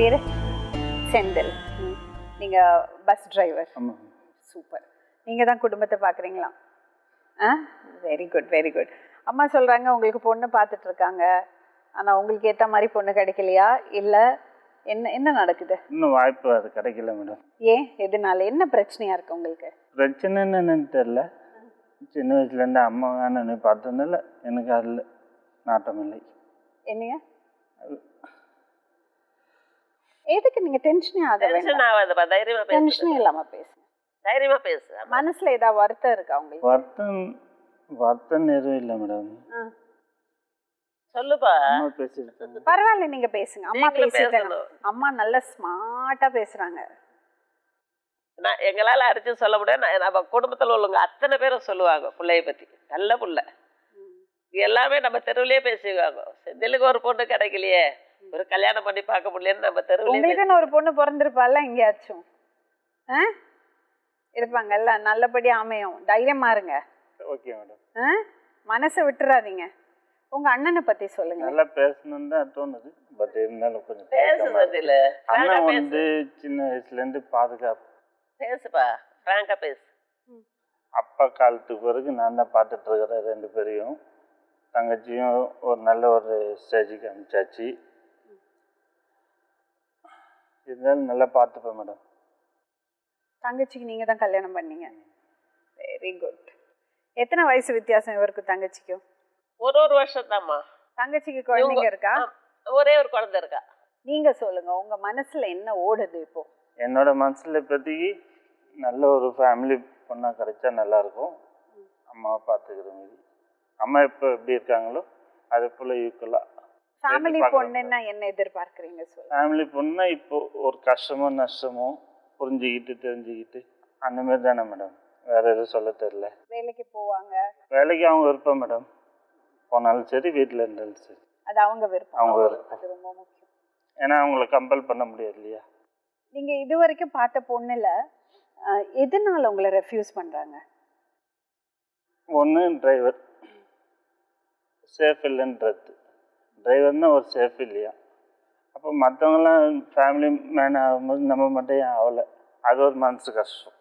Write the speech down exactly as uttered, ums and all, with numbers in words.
பேர் செந்தில். நீங்கள் bus driver. ஆமாம். சூப்பர். நீங்கள் தான் குடும்பத்தை பார்க்குறீங்களா? ஆ, வெரி குட் வெரி குட். அம்மா சொல்கிறாங்க உங்களுக்கு பொண்ணு பார்த்துட்ருக்காங்க, ஆனால் உங்களுக்கு ஏற்ற மாதிரி பொண்ணு கிடைக்கலையா, இல்லை என்ன என்ன நடக்குது? இன்னும் வாய்ப்பு அது கிடைக்கல மேடம். ஏன், எதனால, என்ன பிரச்சனையாக இருக்குது உங்களுக்கு? பிரச்சனைன்னு என்னன்னு தெரில. சின்ன வயசுலேருந்து அம்மா வேணும்னு பார்த்ததுனால எனக்கு அதில் நாட்டம் இல்லை. என்னங்க எதுக்கு நீங்கள் டென்ஷனே ஆக டென்ஷன் ஆகாதுப்பா, தைரியமா பேசு. டென்ஷனே இல்லாமல் பேசுங்க. தைரியமா பேசு. மனசில் ஏதாவது வருத்தம் இருக்கா உங்களுக்கு? வருத்தம் வருத்தம் எதுவும் இல்லை மேடம். ஆ, சொல்லுப்பா. அம்மா பேசிட்டு பரவாயில்ல, நீங்க பேசுங்க. அம்மா நீங்களும் பேசிட்டாங்க. பேசணும். அம்மா நல்ல ஸ்மார்ட்டா பேசுறாங்க. நான் எங்களால் அடிச்சு சொல்ல முடியாது. நான் நம்ம குடும்பத்தில் உள்ளவங்க அத்தனை பேரும் சொல்லுவாங்க பிள்ளைய பற்றி, நல்ல புள்ள. எல்லாமே நம்ம தெருவிலேயே பேசிக்குவாங்க. செந்திலுக்கு ஒரு பொண்ணு கிடைக்கலையே, ஒரு கல்யாணம் பண்ணி பார்க்க முடியலன்னு நம்ம தெருவிலேயே. உங்களுக்குன்னு ஒரு பொண்ணு பிறந்திருப்பால எங்கேயாச்சும்? ஆ, இருப்பாங்கல்ல, நல்லபடியா அமையும். தைரியமா இருங்க. Okay madam. ஆ, மனசை விட்டுறாதீங்க. உங்க அண்ணனை பத்தி சொல்லுங்க. நல்லா பேசணும்னு தான் தோணுது. பட் இருந்தாலும் கொஞ்சம் பேசு தயக்கமா இருக்கு. செந்தில். அண்ணன் வந்து சின்ன வயசுலேருந்து பாதுகாப்பு. பேசுப்பா, ஃப்ராங்கா பேசு. அப்பா காலத்துக்கு பிறகு நான் தான் பார்த்துட்டு இருக்கிறேன் ரெண்டு பேரையும். தங்கச்சியும் ஒரு நல்ல ஒரு ஸ்டேஜுக்கு அனுப்பிச்சாச்சு. இருந்தாலும் நல்லா பார்த்துப்பேன் மேடம். தங்கச்சிக்கு நீங்க தான் கல்யாணம் பண்ணீங்க. Very good. எத்தனை வயசு வித்தியாசம் இவருக்கு தங்கச்சிக்கும்? ஒரு ஒரு வருஷம் தான்மா. தங்கச்சிக்கு குழந்தைங்க இருக்கா? ஒரே ஒரு குழந்தை இருக்கா. நீங்க சொல்லுங்க, உங்க மனசுல என்ன ஓடுது இப்போ? என்னோட மனசில் இப்போதைக்கு நல்ல ஒரு ஃபேமிலி பொண்ணாக கிடைச்சா நல்லாயிருக்கும். அம்மாவை பார்த்துக்கிற மாதிரி. அம்மா இப்போ எப்படி இருக்காங்களோ அதே போல் ஈக்குவலாக ஃபேமிலி பொண்ணுன்னா என்ன எதிர்பார்க்குறீங்க சொல்லுங்க. ஃபேமிலி பொண்ணுன்னா இப்போ ஒரு கஷ்டமோ நஷ்டமோ புரிஞ்சுக்கிட்டு தெரிஞ்சுக்கிட்டு அந்த மாதிரி தானே மேடம். வேறு எதுவும் சொல்ல தெரில. வேலைக்கு போவாங்க, வேலைக்கு அவங்க விருப்பம் மேடம். போனாலும் சரி, வீட்டில் இருந்தாலும் சரி, அது அவங்க விருப்பம். அவங்க விருப்பம். அது ரொம்ப முக்கியம். ஏன்னா அவங்கள கம்பல் பண்ண முடியாது இல்லையா. நீங்க இது வரைக்கும் பார்த்த பொண்ணுல அஹ், எதனால உங்களை ரெஃப்யூஸ் பண்றாங்க? ஒன்று டிரைவர் சேஃப் இல்லைன்றது. டிரைவர்னா ஒரு சேஃப் இல்லையா. அப்போ மற்றவங்களாம் ஃபேமிலி மேன் ஆகும்போது நம்ம மட்டும் ஏன் ஆகலை, அது ஒரு மனசு கஷ்டம்.